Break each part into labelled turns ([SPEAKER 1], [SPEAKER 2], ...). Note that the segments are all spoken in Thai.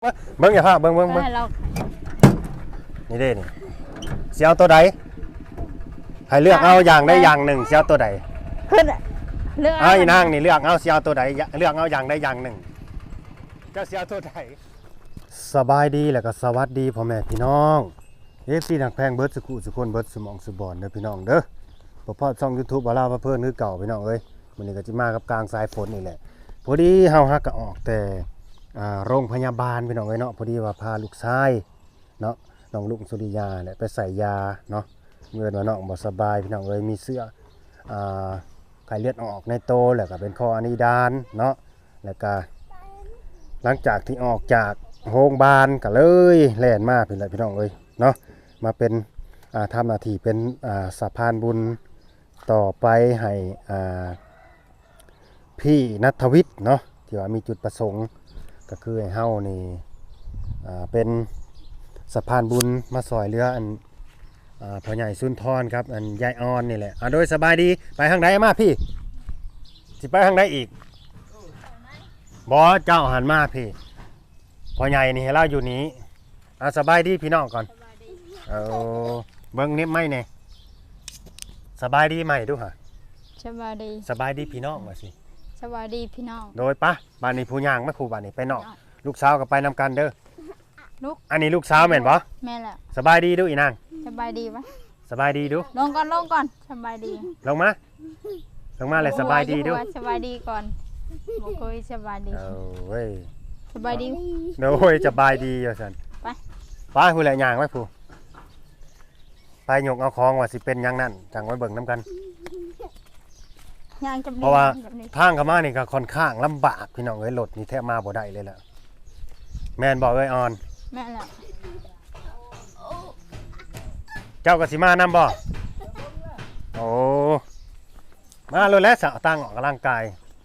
[SPEAKER 1] เบิ้งอย่าพลาดเบิ้งนี่เด้นี่เสียวตัวใดให้เลือกเอาอย่างใดอย่างหนึ่งเสียวตัวใด
[SPEAKER 2] ขึ้นเลือก
[SPEAKER 1] เอาอีนางนี่เลือกเอาเสียวตัวใดเลือกเอาอย่างใดอย่างหนึ่งเจ้าเสียวตัวใดสบายดีแล้วก็สวัสดีพ่อแม่พี่น้องFCหนักแพงเบิร์ดสุขุสุคนเบิร์ดสมองสุบอนเด้อพี่น้องเด้อพอช่อง YouTube บ่าวลาวมาเพิ่นคือเก่าพี่น้องเอ้ยมื้อนี้ก็สิมากับกลางสายฝนนี่แหละพอดีเฮาฮักก็ออกแต่โรงพยาบาลพี่น้องเอ้ยเนาะพอดีว่าพาลูกชายเนาะน้องลุงสุริยาเนี่ยไปใส่ยาเนาะเมื่อว่าน้องบ่สบายพี่น้องเอ้ยมีเสื้อไข้เลือดออกในโตแล้วก็เป็นคออะนิดานเนาะแล้วก็หลังจากที่ออกจากโรงพยาบาลก็เลยแล่นมาพี่น้องเอ้ยเนาะมาเป็นทำหน้าที่เป็นสะพานบุญต่อไปให้พี่ณัฐวิทย์เนาะที่ว่ามีจุดประสงค์ก็คือให้เฮานี่เป็นสะพานบุญมาซอยเรืออันพ่อใหญ่สุนทรครับอันยายออนนี่แหละโดยสบายดีไปทางใดมาพี่สิไปทางใดอีกบ่เจ้าหันมาพี่พ่อใหญ่นี่ให้เราอยู่นี้สบายดีพี่น้องก่อนเบิ่งนิดไม่เนี่ยสบายดีไหมดูฮะ
[SPEAKER 2] สบายดี
[SPEAKER 1] สบายดีพี่น้องว่าสิ
[SPEAKER 2] สบายดีพี่น้อง
[SPEAKER 1] โดยปะบ้านนี้ผู้ย่างไม่ผู้บ้านนี้ไปนอกลูกสาวก็ไปนำกันเด้อ
[SPEAKER 2] ลูก
[SPEAKER 1] อันนี้ลูกสาวแม่นบ่
[SPEAKER 2] แม่แหละ
[SPEAKER 1] สบายดีดูอีนาง
[SPEAKER 2] สบายดีปะ
[SPEAKER 1] สบายดีดู
[SPEAKER 2] ลงก่อนสบายดี
[SPEAKER 1] ลงมาเลยสบายดีดู
[SPEAKER 2] สบายดีก่อนบ่เคยสบายดี
[SPEAKER 1] เว้ย
[SPEAKER 2] สบายดี
[SPEAKER 1] โอ้ยสบายดีว่าซั่นไปผู้แหละย่างไว้ผู้ไปยกเอาของว่าสิเป็นอย่างนั้นจังไว้เบิ่งนํกันเพราะว่าทางเข้ามานี่ก็ค่อนข้างลำบากพี่น้องเอ้ยรถนี่แทบมาบ่ได้เลยแหละแม่นบอกเอ้ยออน
[SPEAKER 2] แม่นแหละ
[SPEAKER 1] เจ้าก็สิมานำบ่โอ้มาเลยแล้วสาวตั้งออกกำลังกาย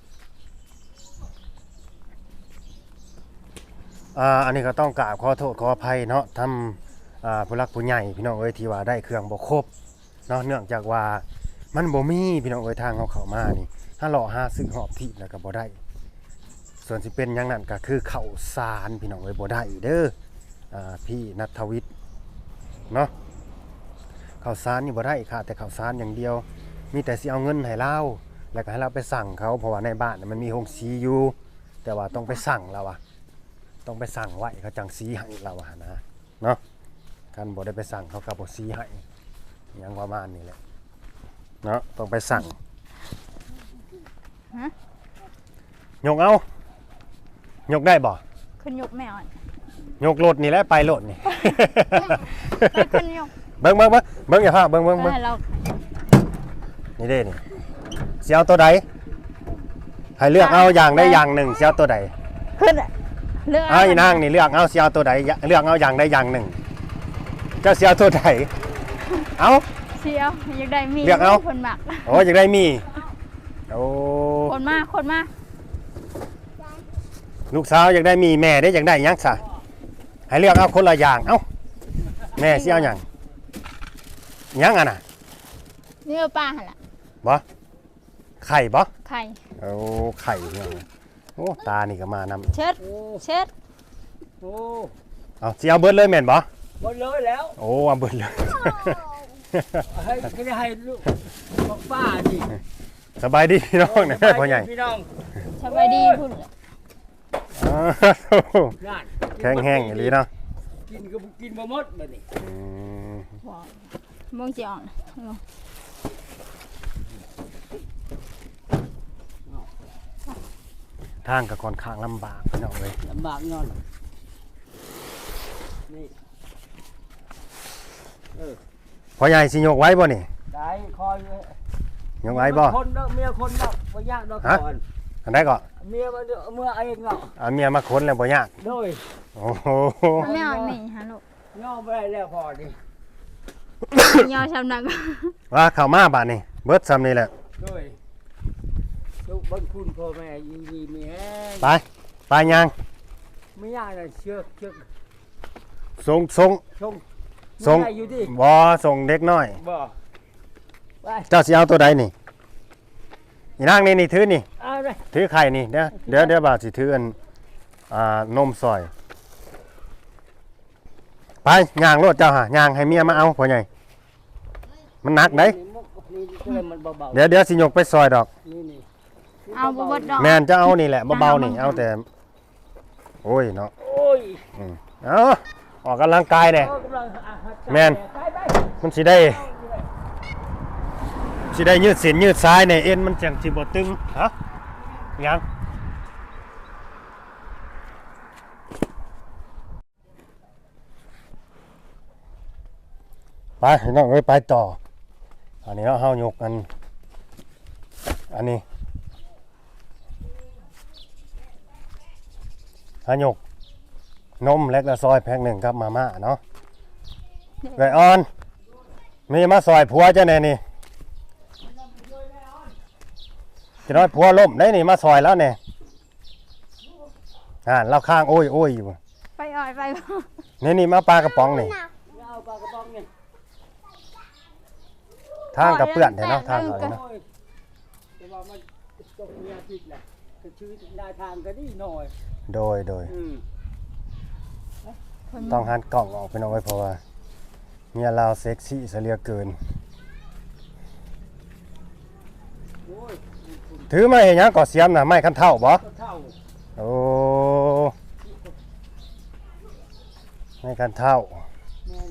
[SPEAKER 1] อันนี้ก็ต้องกราบขอโทษขออภัยเนาะทำผู้รักผู้ใหญ่พี่น้องเอ้ยที่ว่าได้เครื่องบ่ครบเนาะเนื่องจากว่ามันบ่มีพี่น้องเอ้ยทางเข้ามานี่ถ้าหล่อหาซื้อหอบที่แล้วก็บ่ได้ส่วนสิเป็นอย่างนั้นก็คือข้าวสารพี่น้องเอ้ยบ่ได้เด้อพี่ณัฐวิทย์เนาะข้าวสารนี่บ่ได้ค่ะแต่ข้าวสารอย่างเดียวมีแต่สิเอาเงินให้เราแล้วก็ให้เราไปสั่งเขาเพราะว่าในบ้านมันมีโรงสีอยู่แต่ว่าต้องไปสั่งเราต้องไปสั่งไว้เขาจังสีให้เรานะเนาะคันบ่ได้ไปสั่งเขาก็บ่สีให้ยังประมาณนี้แหละเนาะต้องไปสั่งยกเอายกได้บ่
[SPEAKER 2] ขึ้นยกแม่อ่อน
[SPEAKER 1] ยกรถนี่แหละไปรถนี่
[SPEAKER 2] ขึ้นยก
[SPEAKER 1] เบิ่งอย่าพลาดเบิ่งนี่เด้นี่เสียวตัวใดให้เลือกเอาอย่างใดอย่างหนึ่งเสียวตัวใด
[SPEAKER 2] ขึ้นเลือก
[SPEAKER 1] อีนางนี่เลือกเอาเสียวตัวใดเลือกเอาอย่างใดอย่างหนึ่งเจ้าเสียวตัวใดเอา
[SPEAKER 2] เสียวอยากได้มี
[SPEAKER 1] เลือกเอา
[SPEAKER 2] คนหมัก
[SPEAKER 1] โอ้อยากได้มีโอ้
[SPEAKER 2] คนมา
[SPEAKER 1] ลูกสาวอยากได้มีแม่ได้อยากได้ยังซะให้เลือกเอาคนละอย่างเอ้าแม่สิเอาหยังยังอ่ะน่ะ
[SPEAKER 2] เนื้อปลาหั่นล่ะ
[SPEAKER 1] บ่ไข่บ่
[SPEAKER 2] ไข่
[SPEAKER 1] โอ้ไข่เนี่ยโอ้ตานี่ก็มานำ
[SPEAKER 2] เช็ด
[SPEAKER 3] โอ้
[SPEAKER 1] เอาสิเอาเบิดเลยแม่นบ่
[SPEAKER 3] หมดเลยแล้ว
[SPEAKER 1] โอ้เอาเบิดเลย
[SPEAKER 3] ให้ให้ลูกบอกป้าดิ
[SPEAKER 1] สบายดีพี่น้องนะพ่อใหญ่
[SPEAKER 3] พี่น้อง
[SPEAKER 2] สบายดีพุ่น
[SPEAKER 1] แข็งแห้งอย่างนี้เนาะ
[SPEAKER 3] กินก็กินบ่หมดบัดนี้
[SPEAKER 2] มองสิอ่อน
[SPEAKER 1] ทางก็ค่อนข้างลำบากพี่น้องเลย
[SPEAKER 3] ลำบากย้อนนี่
[SPEAKER 1] พ่อใหญ่สิยกไว้บ่นี่
[SPEAKER 3] ได้คอย
[SPEAKER 1] ยกไว้บ่
[SPEAKER 3] คนเนาะเมียคนเนาะบ่ยากดอกก่อน
[SPEAKER 1] อันใดก็
[SPEAKER 3] เมียมาเมื่อเองเนาะ
[SPEAKER 1] เมียมาค้นแล้วบ่ยาก
[SPEAKER 3] โดย
[SPEAKER 1] โอ้โห
[SPEAKER 2] ไม่เอาหนีฮะลูก
[SPEAKER 3] ย่อบ่ได้แล้วพอดิ
[SPEAKER 2] ย่อชำนัก
[SPEAKER 1] ว่าเข้ามาบาดนี้เบิดซ้ำนี่แหละ
[SPEAKER 3] โดยลูกบ่คุณพ่อแม่ยิมีแฮง
[SPEAKER 1] ไปยัง
[SPEAKER 3] ไม่ยากเลยเชือก
[SPEAKER 1] ส่ง
[SPEAKER 3] อยู่ดิ
[SPEAKER 1] บ่ส่งเด็กน้อย
[SPEAKER 3] บ่
[SPEAKER 1] เจ้าสิเอาตัวใดนี่อีนางนี่ถือนี่
[SPEAKER 3] เอาเลย
[SPEAKER 1] ถือไข่นี่เดี๋ยวบ่าวสิถืออันนมซอยไปย่างรถเจ้าหาย่างให้เมียมาเอาพ่อใหญ่มันหนักเด้
[SPEAKER 3] นี่ก็เลยมันเบา
[SPEAKER 1] เดี๋ยวสิยกไปซอยดอก
[SPEAKER 3] ๆนี่
[SPEAKER 2] เอาบ่เบิดดอก
[SPEAKER 1] แม่นจะเอานี่แหละเบาๆนี่เอาแต่โอ้ยเนาะ
[SPEAKER 3] โอ้ย
[SPEAKER 1] เอาออกกำลังกายเนี่ย
[SPEAKER 3] กำลัง
[SPEAKER 1] แม่น
[SPEAKER 3] ไป
[SPEAKER 1] มันสิได้ยืดเส้นยืดซ้ายเนี่ยเอ็นมันจังสิบ่ตึงฮะยังไปน้องเอ้ยไปต่ออันนี้เฮายกอันนี้หายกนมเล็กละซอยแพ็คหนึ่งครับมาม่าเนาะไก่ออนมีมาซอยผัวเจ้าแน่นี่จะน้อยผัวล่มได้นี่มาซอยแล้วเนี่ยเราข้างโอ้ยอยู่
[SPEAKER 2] ไปอ่อยไปบ่
[SPEAKER 1] นี่มาปลากระป๋องนี่
[SPEAKER 3] เอาปลากระป๋องนี่
[SPEAKER 1] ทางกับเปื้อนเถอะเนาะทางเขาเลยเนาะ
[SPEAKER 3] โอ้ยแต่ว่ามันตกเมียผิดแหละคือชีวิตหน้าทางก็ดีหน่อย
[SPEAKER 1] โดย
[SPEAKER 3] อืม
[SPEAKER 1] ต้องหันกล่องออกไปหน่อยเพราะว่าเมียเราเซ็กซี่เสียเหลือเกิน
[SPEAKER 3] โอ้ย
[SPEAKER 1] ถือมาเห็นยังก่อเสียมน่ะไม่คันเท่าบ่
[SPEAKER 3] ก็เท่า
[SPEAKER 1] โอ้ไม่คันเท่า
[SPEAKER 3] แม่น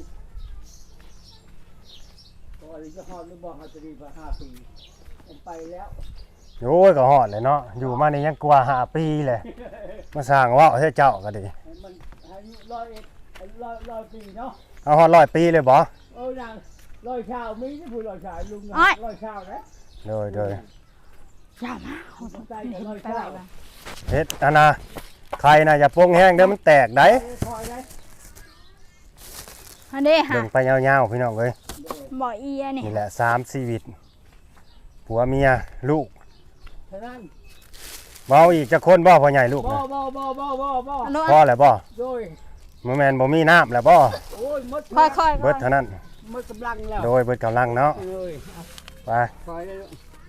[SPEAKER 3] ก็อะไรจะฮอดหรือบ่ฮอดจะดีกว่า5 ปีผมไปแล้ว
[SPEAKER 1] โอ้ยก็ฮอดเลยเนาะอยู่มานี่ยังกว่า5 ปีเลยมาสร้างเว่าให้เจ้าก็ดี
[SPEAKER 3] มันอายุร้อยปีเนาะ
[SPEAKER 1] เอาฮอด100 ปีเลยบ่
[SPEAKER 3] เออนางร้อยชาวมีที่ผู้ร้อยชาวลุงนะร้อยชาวนะ
[SPEAKER 1] โดย
[SPEAKER 2] อย่ามาเอา
[SPEAKER 3] ผมใจ
[SPEAKER 2] นี่
[SPEAKER 3] กับร้อย
[SPEAKER 2] ไป
[SPEAKER 3] ชา
[SPEAKER 2] ไว้
[SPEAKER 3] ว
[SPEAKER 2] บ่
[SPEAKER 1] เฮ็ดอันน่ะใครน่ะอย่าโป่งแห้งเด้อมันแตกได้
[SPEAKER 3] คอยได้
[SPEAKER 2] อันนี้ฮะ
[SPEAKER 1] เบิ่งไปยาวๆพี่น้องเอ้ย
[SPEAKER 2] บ่อีอันนี่
[SPEAKER 1] นี่แหละ3ชีวิตผัวเมียลูก
[SPEAKER 3] ฉะนั้น
[SPEAKER 1] เว้าอีกจะคนบ่พ่อใหญ่ลูก
[SPEAKER 3] บ่
[SPEAKER 1] นะ
[SPEAKER 2] อันนู้น
[SPEAKER 1] พ่อแล้วบ่
[SPEAKER 3] โดย
[SPEAKER 1] บ่แม่นบ่มีน้ำแล้วบ่
[SPEAKER 3] โอ้ยมด
[SPEAKER 2] ค่อยๆ
[SPEAKER 1] เบิดเท่านั้น
[SPEAKER 3] มดกำลังแล้ว
[SPEAKER 1] โดยเบิดกำลังเนาะ
[SPEAKER 3] เลย
[SPEAKER 1] ไป
[SPEAKER 3] คอยได้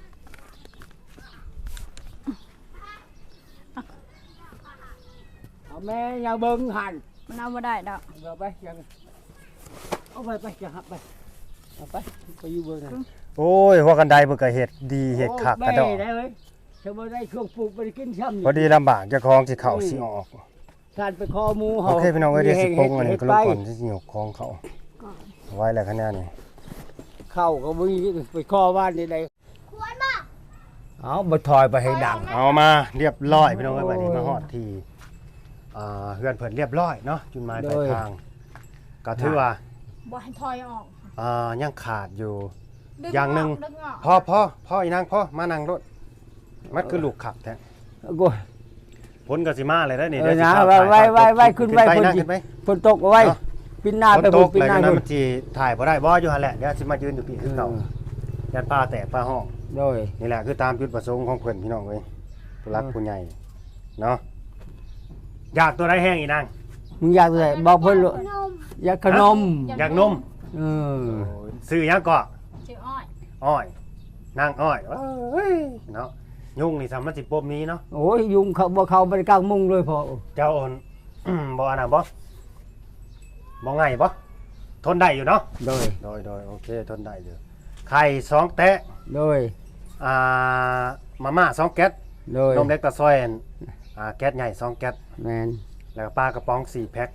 [SPEAKER 3] เอาแม่อย่าเบิ่งหัน
[SPEAKER 2] มันเอาบ่ได้ดอก
[SPEAKER 3] เอาไปยังเอาไปจะหับไปเอาไปอยู่เบิ่งนะ
[SPEAKER 1] โอ้ยหัวกันไดเบิดก็เฮ็ดดีเฮ็ดคักกระดอก
[SPEAKER 3] ได้เลยถ้าบ่ได้ช่วงปลูกบ่ได้กินช้ำ
[SPEAKER 1] พอดีลำบากเจ้าของสิเข้าสิออก
[SPEAKER 3] การไปคอหมู
[SPEAKER 1] โอ
[SPEAKER 3] เฮา
[SPEAKER 1] เคพี่น้องเอ้ยเดี๋ยวสิปรุงอันนี้ก็ลงก่อน
[SPEAKER 3] เฮ็ด
[SPEAKER 1] สิสิยกของเขาไว้แล้วคะแนนนี่
[SPEAKER 3] เข้าก็บ่มีไปคอบ้านใดๆควรบ่เอาบ่ถอยไปให้ดัง
[SPEAKER 1] เอามาเรียบร้อยพี่น้องเอ้ยบัดนี้มาฮอดที่เฮือนเพิ่นเรียบร้อยเนาะจุดหมายปลายทางก็ถือว่า
[SPEAKER 2] บ่ให้ถอยออก
[SPEAKER 1] ยังขาดอยู่
[SPEAKER 2] ดึ
[SPEAKER 1] อย่างหนึ่ง
[SPEAKER 2] ดึออก
[SPEAKER 1] พ่ออีนางพ่อมานั่งรถมันคือลูกขับแท้
[SPEAKER 3] โอ้ย
[SPEAKER 1] พ้นกสิมาเลยได้อนี่
[SPEAKER 3] เอ
[SPEAKER 1] เดี๋
[SPEAKER 3] อ
[SPEAKER 1] ยวสิ
[SPEAKER 3] นะ
[SPEAKER 1] พา
[SPEAKER 3] ไว้ขึ้นไป
[SPEAKER 1] นั่งขึ้นไป
[SPEAKER 3] ฝนตกเอาไว้
[SPEAKER 1] เนาะ
[SPEAKER 3] ปินหน้า
[SPEAKER 1] ฝน
[SPEAKER 3] ไป
[SPEAKER 1] ต
[SPEAKER 3] พุ่
[SPEAKER 1] ก
[SPEAKER 3] นปิน
[SPEAKER 1] เลย
[SPEAKER 3] หน้า
[SPEAKER 1] นั้น
[SPEAKER 3] พุ่น
[SPEAKER 1] มันสิถ่ายบ่ได้บ่อยู่หั่นแหละเดี๋ยวสิมายืนอยู่พี่คือเก่ายันป้าแตกป้าห้อง
[SPEAKER 3] โดย
[SPEAKER 1] นี่แหละคือตามจุดประสงค์ของเพิ่นพี่น้องเอ้ยผู้รักผู้ใหญ่เนาะอยากตัวใดแห้งอีนาง
[SPEAKER 3] มึงอยากอะไรบอกเพิ่นลูกอยากขนม
[SPEAKER 1] อยากนม
[SPEAKER 3] เออ
[SPEAKER 1] ซื้อหยังก็
[SPEAKER 2] ชื่ออ้อย
[SPEAKER 1] อ้อยนางอ้อยเอ้ยเนาะยุงนี่สามารถสิปมนี้เนาะ
[SPEAKER 3] โอ้ยยุงเขาบ่เข้าไปกลางมุงเลยพอ
[SPEAKER 1] เจ้าโอน บ่อันน่ะบ่ง่ายบ่ทนได้อยู่เนาะ
[SPEAKER 3] โดย
[SPEAKER 1] โดยโอเคทนได้อยู่ไข่2แตะ
[SPEAKER 3] โดย
[SPEAKER 1] มาม่า2แก๊ส
[SPEAKER 3] โดย
[SPEAKER 1] นมเล็กตะซอยแก๊สใหญ่2แก๊ส
[SPEAKER 3] แมน
[SPEAKER 1] แล้วก็ปลากระป๋อง4แพ็ค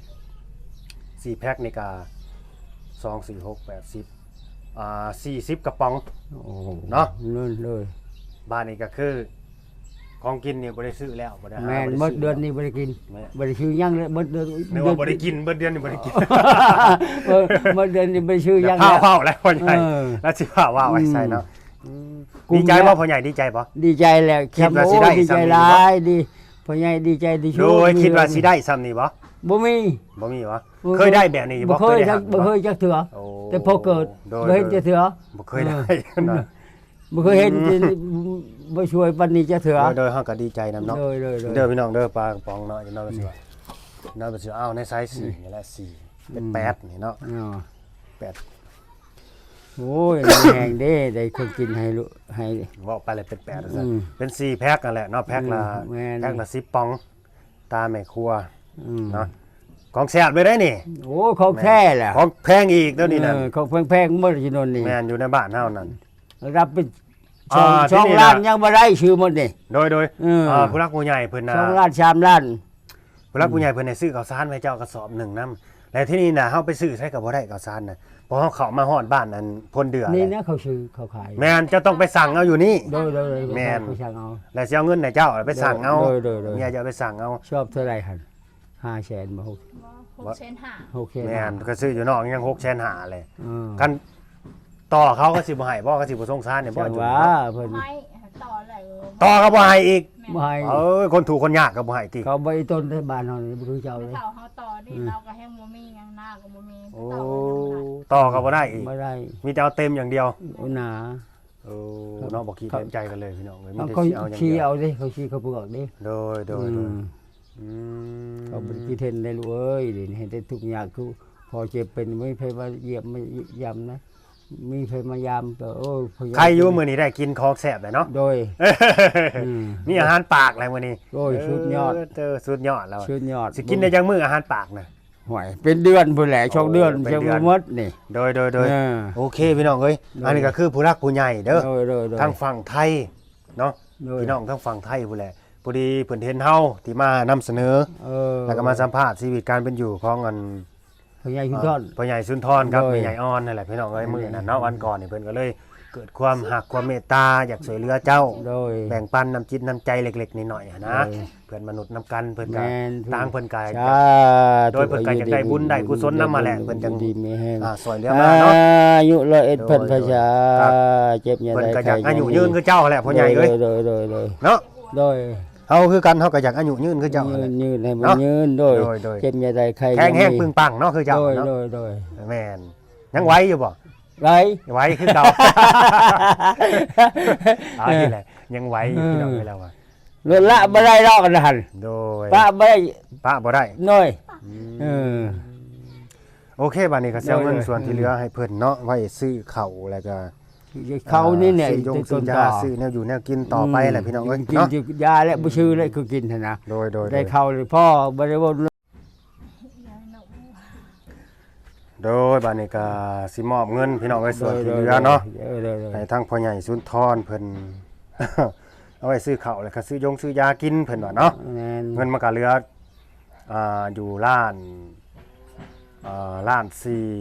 [SPEAKER 1] 4แพ็คนี่ก็2 4 6 8 10 40กระป๋อง
[SPEAKER 3] โอ้โห
[SPEAKER 1] เนาะ
[SPEAKER 3] นู่นเลย
[SPEAKER 1] บ้านนี้ก็คือของกินนี่บ่ได้ซื้อแล้วบ่ได้หา
[SPEAKER 3] แมน
[SPEAKER 1] บ่
[SPEAKER 3] หม
[SPEAKER 1] ได้
[SPEAKER 3] ด
[SPEAKER 1] ซื้
[SPEAKER 3] เดือนนี้บ่ได้กิน
[SPEAKER 1] แม่
[SPEAKER 3] บ่ได้ชื่อหยังเลยหมดเดือน
[SPEAKER 1] นึกว่าบ่ได้กินเบิดเดือนนี่บ่ได้กิน
[SPEAKER 3] หมดเดือนนี้บ่ได้ชื่อหยัง
[SPEAKER 1] ข้า
[SPEAKER 3] แล้ว ว
[SPEAKER 1] เผาแล้วพ่อใหญ่
[SPEAKER 3] เออ
[SPEAKER 1] แล้วสิว่าว่าไว้ใส่เนาะ
[SPEAKER 3] กุม
[SPEAKER 1] ดีใจ
[SPEAKER 3] แล้ว
[SPEAKER 1] บ่พ่อใหญ่ดีใจบ่
[SPEAKER 3] ดีใจแหละ
[SPEAKER 1] คิดว่า
[SPEAKER 3] โอ้
[SPEAKER 1] สิได้
[SPEAKER 3] ดีใจ
[SPEAKER 1] สำเร็จ
[SPEAKER 3] หลายดีพ่อใหญ่ดีใจดี
[SPEAKER 1] โดยคิดว่าสิได้ซ้ำนี่บ่
[SPEAKER 3] บ่มี
[SPEAKER 1] บ่มีบ่เคยได้แบบนี้
[SPEAKER 3] บ่
[SPEAKER 1] บ่
[SPEAKER 3] เคย
[SPEAKER 1] ได้
[SPEAKER 3] จั
[SPEAKER 1] หั
[SPEAKER 3] ก
[SPEAKER 1] ก
[SPEAKER 3] บ่เคยจักเถื่อ
[SPEAKER 1] โอ้
[SPEAKER 3] แต่พอเกิด
[SPEAKER 1] โดย
[SPEAKER 3] บ่เห็นจักเถื่อ
[SPEAKER 1] บ่เคยได้นะ
[SPEAKER 3] บ่เคยเห็นบ่ช่วยปานนี้จักเถื่อ
[SPEAKER 1] โดยเฮาก็ดีใจนํเนาะ
[SPEAKER 3] โดย
[SPEAKER 1] เด้อพี่น้องเด้อปลากระป๋องเนาะจังเนาะก็สิว่าเนาะก็สิเอาในไซส์4นี่แหละ4เป็น8นี่เนาะ
[SPEAKER 3] อ๋อ
[SPEAKER 1] 8
[SPEAKER 3] โอ้ยแห้งเด้ได้คนกินให้ลูกให้
[SPEAKER 1] เว้าไปเลยเป็น8ว่าซั่น
[SPEAKER 3] อืม
[SPEAKER 1] เป็น4แพ็คนั่นแหละเนาะแพ็คละ
[SPEAKER 3] แม่น
[SPEAKER 1] แพ็คละ10ปองตามแม่ครัว
[SPEAKER 3] อืม
[SPEAKER 1] เนาะของแซ่บเลยได้นี่
[SPEAKER 3] โอ้ของแท้แหละ
[SPEAKER 1] ของแพงอีกเดี๋ยวนี้นั่น
[SPEAKER 3] ของแพงๆเมื่อที่นนนี่
[SPEAKER 1] แม่นอยู่ในบ้านเฮานั่น
[SPEAKER 3] รับเป็น
[SPEAKER 1] อ่า
[SPEAKER 3] ช่อง
[SPEAKER 1] ที่นี่
[SPEAKER 3] ล้าน
[SPEAKER 1] น่ะ
[SPEAKER 3] ยังบ่ได้ชื่อหมดนี่
[SPEAKER 1] โดย
[SPEAKER 3] เออ
[SPEAKER 1] ผู้รักผู้ใหญ่เพิ่นน่ะ
[SPEAKER 3] ช่องล้าน3ล้าน
[SPEAKER 1] ผู้รักผู้ใหญ่เพิ่นให้ซื้อข้าวสารไว้เจ้ากระสอบหนึ่งนำและที่นี่น่ะเฮาไปซื้อใช้ก็บ่ได้ข้าวสารน่ะเพราะเฮาเข้ามาฮอดบ้านอันพลเดือ
[SPEAKER 3] นี่
[SPEAKER 1] แหละ
[SPEAKER 3] นะเขาซื้อเขาขาย
[SPEAKER 1] แม่นจะต้องไปสั่งเอาอยู่นี่
[SPEAKER 3] โดย
[SPEAKER 1] แม่น
[SPEAKER 3] เขาช่างเอา
[SPEAKER 1] แล้วสิเอาเงินให้เจ้าไปสั่งเอา
[SPEAKER 3] โดย
[SPEAKER 1] เมียจะเอาไปสั่งเอา
[SPEAKER 3] ชอบเท่าไหร่หั่น500,000บ่
[SPEAKER 2] 6,500,000
[SPEAKER 3] 6,000
[SPEAKER 1] แม่นก็ซื้ออยู่นอกยัง6,500,000เลย
[SPEAKER 3] อืม
[SPEAKER 1] กันต่อเขาก็สิบ่ให้บ่ก็สิบ่สงสารเนี่ยบ่
[SPEAKER 3] จัง
[SPEAKER 1] จุ
[SPEAKER 3] ว่าเพิ่น
[SPEAKER 2] ไม่ต่อเลย
[SPEAKER 1] ต่อก็บ่ให้อีก
[SPEAKER 3] บ่ให้
[SPEAKER 1] เอ้ยคนถูกคนยากก็บ่ให้ติ
[SPEAKER 3] เขาบ่ต้นที่บ้านเฮานี่บ่รู้เจ้าเลย
[SPEAKER 2] เต่าเขาต่อนี่เราก็ให้บ่มีหยังหน้าก็บ่มี
[SPEAKER 1] โอ้
[SPEAKER 2] เต่า
[SPEAKER 1] ต่อก็บ่ได้อีก
[SPEAKER 3] บ่ได้
[SPEAKER 1] มีแต่เอาเต็มอย่างเดียว
[SPEAKER 3] โอ้หนา
[SPEAKER 1] โอ้เนาะบ่คิดเต็มใจกันเลยพี่น้องเอ้ยมีแต่
[SPEAKER 3] เขา
[SPEAKER 1] สิเอาอย่าง
[SPEAKER 3] ชี้
[SPEAKER 1] เดียว
[SPEAKER 3] เอาดิเขาชี้เขาเปลือกดิ
[SPEAKER 1] โดย
[SPEAKER 3] อืม
[SPEAKER 1] อืม
[SPEAKER 3] เขาบ่ได้คิดเห็นได้ลูกเอ้ยเดี๋ยวนี้เห็นได้ทุกอย่างคือพอเจ็บเป็นไม่เคยมาเยี่ยมไม่ยำนะมีเคยมายามก็โอ้ยพยายาม
[SPEAKER 1] ใครอยู่มื้อนี้ได้กินของแซ่บเลยเนาะ
[SPEAKER 3] โดย อืม
[SPEAKER 1] มีอาหารปากอะไรมื้อนี้
[SPEAKER 3] โอ้ยสุดยอด
[SPEAKER 1] เจอสุดยอดแล้ว
[SPEAKER 3] ชื่นยอด
[SPEAKER 1] สิกินได้จังมื้ออาหารปากน่ะ
[SPEAKER 3] ห่วยเป็นเดือนพุ่นแหละช่องเดือน
[SPEAKER 1] เป็น
[SPEAKER 3] เชียง
[SPEAKER 1] เดือน
[SPEAKER 3] มดนี่
[SPEAKER 1] โดย
[SPEAKER 3] เออ
[SPEAKER 1] โอเคพี่น้องเอ้ย
[SPEAKER 3] โดย
[SPEAKER 1] อันนี้ก็คือผู้รักผู้ใหญ่เด้อ
[SPEAKER 3] โดย
[SPEAKER 1] ทางฝั่งไทยเนาะ
[SPEAKER 3] โดย
[SPEAKER 1] พี่น้องทางฝั่งไทยพู้นแหละพอดีเพิ่นเห็นเฮาที่มานำเสนอ
[SPEAKER 3] เออ
[SPEAKER 1] แล้วก็มาสัมภาษณ์ชีวิตการเป็นอยู่ของอัน
[SPEAKER 3] พญายชุนทอน
[SPEAKER 1] พ่อใหญ่สุนทรครับ
[SPEAKER 3] โดย
[SPEAKER 1] แม่ใหญ่อ่อนนั่นแหละพี่น้องเอ้ยมื้อนั้นเนาะวันก่อนนี่เพิ่นก็เลยเกิดความหักความเมตตาอยากช่วยเหลือเจ้า
[SPEAKER 3] โดย
[SPEAKER 1] แบ่งปันน้ำจิตน้ำใจเล็กๆน้อยๆอะนะ
[SPEAKER 3] โดย
[SPEAKER 1] เพื่อนมนุษย์นํกันเพิ่นก็
[SPEAKER 3] แม่น
[SPEAKER 1] ต่างเพิ่นก็
[SPEAKER 3] สา
[SPEAKER 1] โดยเพิ่นก็อยากได้บุญได้กุศลนำมาแหละเพิ่นจัง
[SPEAKER 3] ดีมีแห้ง
[SPEAKER 1] ช่วยเหลือมาเนาะ
[SPEAKER 3] อายุ101เพิ่นพระชา
[SPEAKER 1] ครับ
[SPEAKER 3] เจ็บอย่า
[SPEAKER 1] เพิ่น
[SPEAKER 3] ได้
[SPEAKER 1] ก็อยากอายุยืนคือเจ้าแหละพ่อใหญ่เอ้ย
[SPEAKER 3] โดย
[SPEAKER 1] เนาะ
[SPEAKER 3] โดย
[SPEAKER 1] เฮาคือกันเฮาก็อยากอายุยืนคือเจ้า
[SPEAKER 3] ยื
[SPEAKER 1] แหละ
[SPEAKER 3] นให้มัน
[SPEAKER 1] เนาะ
[SPEAKER 3] ยืนโดย
[SPEAKER 1] โดย
[SPEAKER 3] เจ็บอย่าได้ใคร
[SPEAKER 1] แข็งแห้ง
[SPEAKER 3] ยั
[SPEAKER 1] ปึงปังเนาะคือเจ้า
[SPEAKER 3] โดย
[SPEAKER 1] เนาะ
[SPEAKER 3] โดย
[SPEAKER 1] แม่นยังไหวอยู่บ่
[SPEAKER 3] ไร
[SPEAKER 1] ไหวคือเก่า เอาที่แหละยังไหวอยู่พี่น้องเอ้ยแล้วว่า
[SPEAKER 3] ลดละบ่ได้ดอกนะหั่น
[SPEAKER 1] โดย
[SPEAKER 3] ป้าบ่ได้
[SPEAKER 1] ป้าบ่ได้
[SPEAKER 3] น้อยเออ
[SPEAKER 1] โอเคบัดนี้ก็สิเอาเงิน
[SPEAKER 3] โดย
[SPEAKER 1] ส่วนที่เหลือให้เพิ่นเนาะไว้ซื้อข้าวแล้วก็
[SPEAKER 3] เขานี่เนี่ย
[SPEAKER 1] ซื้อยงซื้อยาซื้อแนวอยู่แนวกินต่อไปแหละพี่น้องเอ้ย
[SPEAKER 3] กิน
[SPEAKER 1] เนาะ
[SPEAKER 3] ยาและบ่ชื่อเลยคือกินหั่นนะ
[SPEAKER 1] โดย
[SPEAKER 3] ได้เข้าเลยพ่อบ่ได้ว่า
[SPEAKER 1] โดยบัดนี้ก็สิมอบเงินพี่น้องเอ้ยส่วนที่เหลือเนาะให้ทางพ่อใหญ่สุนทรเพิ่น เอาไว้ซื้อข้าวแล้วก็ซื้อยากินเพิ่นว่าเนาะ
[SPEAKER 3] แม่น
[SPEAKER 1] เงินมันก็เหลืออยู่ล้าน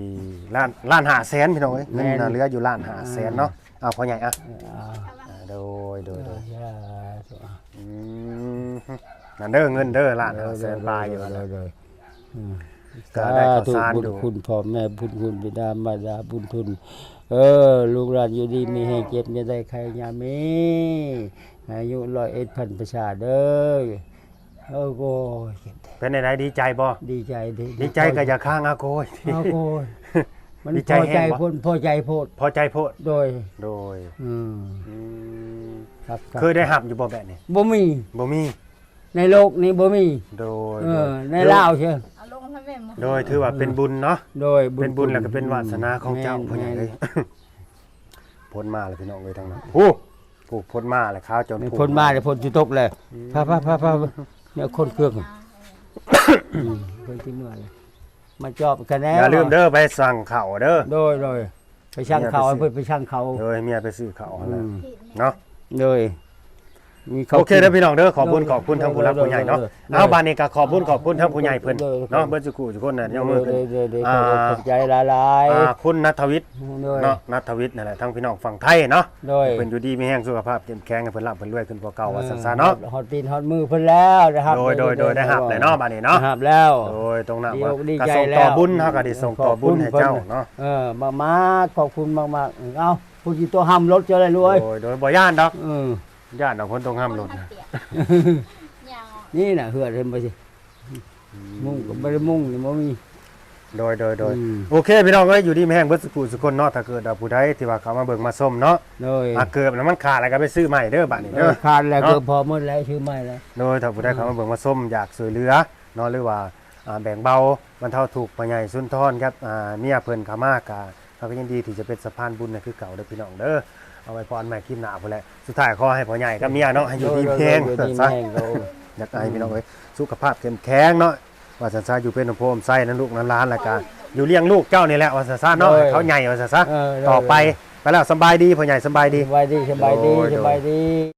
[SPEAKER 1] 4ล้าน5แสนพี่น้องเอ้ยเงินน่ะเหลืออยู่ล้าน5แสนเนาะเอาพ่อใหญ่อ่ะโดยอืมนั่นเด้อเงินเด้อล้าน5แสนปลายอยู่นั่นน่ะก็ได้ข้าวสารอยู่
[SPEAKER 3] คุณพ่อแม่บุญคุณบิดามารดาบุญทุนลูกหลานอยู่ดีมีแห่งเจ็บอย่าได้ใครยามีอายุ101พันประชาเด้อโอ้โห
[SPEAKER 1] เป็นไดดีใจบ่
[SPEAKER 3] ดีใจ
[SPEAKER 1] ดีใจก็อย่าข้างอาโกย
[SPEAKER 3] เอาโกยมัน
[SPEAKER 1] ดี
[SPEAKER 3] พ
[SPEAKER 1] ใจ
[SPEAKER 3] อ
[SPEAKER 1] แห้
[SPEAKER 3] ใจ
[SPEAKER 1] งบ่
[SPEAKER 3] พ้นพอใจโพด
[SPEAKER 1] พอใจโพด
[SPEAKER 3] โดย
[SPEAKER 1] โดย
[SPEAKER 3] อืม
[SPEAKER 1] อืม
[SPEAKER 3] ครับ
[SPEAKER 1] เคยได้หับอยู่บ่แบบนี้
[SPEAKER 3] บ่มี
[SPEAKER 1] บ่มี
[SPEAKER 3] ในโลกนี้บ่มี
[SPEAKER 1] โดย
[SPEAKER 3] ในลาวเชียว
[SPEAKER 2] เอาลงให้แม่มา
[SPEAKER 1] โดยถือว่าเป็นบุญเนาะ
[SPEAKER 3] โดย
[SPEAKER 1] เป็นบุญแล้วก็เป็นวาสนาของเจ้า
[SPEAKER 3] แม่น
[SPEAKER 1] พ่อใหญ่
[SPEAKER 3] แม่น
[SPEAKER 1] เลย พ้นมาเลยพี่น้องเลยทั้งนั้นโอ้พ้นมาเลยข้าวจน
[SPEAKER 3] พ้นมาเดี๋ยวพ้นจุตกเลยพาเนี่ยคนเครื่องคนที่เมื่อเลยมาจอบกันแน่
[SPEAKER 1] อย่าลืมเด้อไปสั่งข้าวเด้อ
[SPEAKER 3] โดยไปช่างเขาเพื่อไปช่างเขา
[SPEAKER 1] โดยเมียไปซื้อข้าว
[SPEAKER 3] อืม
[SPEAKER 1] เนาะ
[SPEAKER 3] โดยมี
[SPEAKER 1] โอเคเด้อพี่น้องเด้อขอบคุณทั้งผู้รักผู้ใหญ่เนาะ
[SPEAKER 3] โดย
[SPEAKER 1] เอาบานนี้ก็ขอบคุณทั้งผู้ใหญ่เพิ่น
[SPEAKER 3] โดย
[SPEAKER 1] เนาะเบิ่สุขุทุกคนน่ะยกมือขึ้น
[SPEAKER 3] โดยขอบใจหลาย
[SPEAKER 1] คุณณัฐวิทย์
[SPEAKER 3] ๆโดย
[SPEAKER 1] เนาะณัฐวิทย์นั่นแหละทั้งพี่น้องฝั่งไทยเนาะ
[SPEAKER 3] โดย
[SPEAKER 1] เพิ่นอยู่ดีมีแห้งสุขภาพเข้มแข็งให้เพิ่นร่ำเพิ่นรวยขึ้นกว่าเก่าว่าซั่นๆเนาะ
[SPEAKER 3] ฮอตตีนฮอตมือเพิ่นแล้วนะครับ
[SPEAKER 1] โดยได้หับเลยเนาะบานนี้เนาะ
[SPEAKER 3] หับแล้ว
[SPEAKER 1] โดยตรงนั้น
[SPEAKER 3] ดี
[SPEAKER 1] ว่า
[SPEAKER 3] อกดี
[SPEAKER 1] ก็
[SPEAKER 3] ใจ
[SPEAKER 1] ส่ง
[SPEAKER 3] แล้ว
[SPEAKER 1] ต่อบุญเฮาก็ได้ส่งต่อบุญให้เจ้าเนาะ
[SPEAKER 3] มากๆขอบคุณมากๆเอ้าผู้ที่ตัวห้ำรถเจออะไรรวย
[SPEAKER 1] โดยบ่ย่านดอก
[SPEAKER 3] เออ
[SPEAKER 1] ย่านดอกคนตรงห้ามรถนะ
[SPEAKER 2] อย่าง
[SPEAKER 3] นี่น่ะเหือดเห็นไปสิมุ่งก็บ่ได้มุ่งนี่บ่มี
[SPEAKER 1] โดย
[SPEAKER 3] อืม
[SPEAKER 1] โอเคพี่น้องเอ้ยอยู่ดีมีแห้งเบิดสุคนเนาะถ้าเกิดว่าผู้ใดที่ว่าเขามาเบิ่งมาส้มเนาะ
[SPEAKER 3] โดย
[SPEAKER 1] เกิดแล้วมันขาดแล้วก็ไปซื้อใหม่เด้อบัดนี้เด้อ
[SPEAKER 3] ขาดแล้ว
[SPEAKER 1] เนาะ
[SPEAKER 3] เกือบพอหมดแล้วชื่อใหม่แล้ว
[SPEAKER 1] โดยถ้าผู้ใดเขามาเบิ่งมาส้มอยากช่วยเหลือเนาะหรือว่าแบ่งเบาบรรเทาทุกข์พ่อใหญ่สุนทรครับเมียเพิ่นเขามากะเขาก็ยินดีที่จะเป็นสะพานบุญในคือเก่าเด้อพี่น้องเด้อเอาไว้พรใหม่คลิปหน้าพุ่นแหละสุดท้ายขอให้พ่อใหญ่กับเมียเนาะให้อยู่ดีมีแรง
[SPEAKER 3] โดยดี
[SPEAKER 1] ซะ
[SPEAKER 3] แม่งโดย
[SPEAKER 1] อยากให้พี่น้องเอ้ยสุขภาพเข้มแข็งเนาะว่าซั่นซะอยู่เป็นโพมไส้นั้นลูกนั้นหลานแล้วก็อยู่เลี้ยงลูกเจ้านี่แหละว่าซั่นซะเนาะให้เขาใหญ่ว่าซั่นซะต่อไปแล้วสำบายดีพ่อใหญ่สำบายดี
[SPEAKER 3] สบายดีสบายดี
[SPEAKER 1] โดย
[SPEAKER 3] สบายดี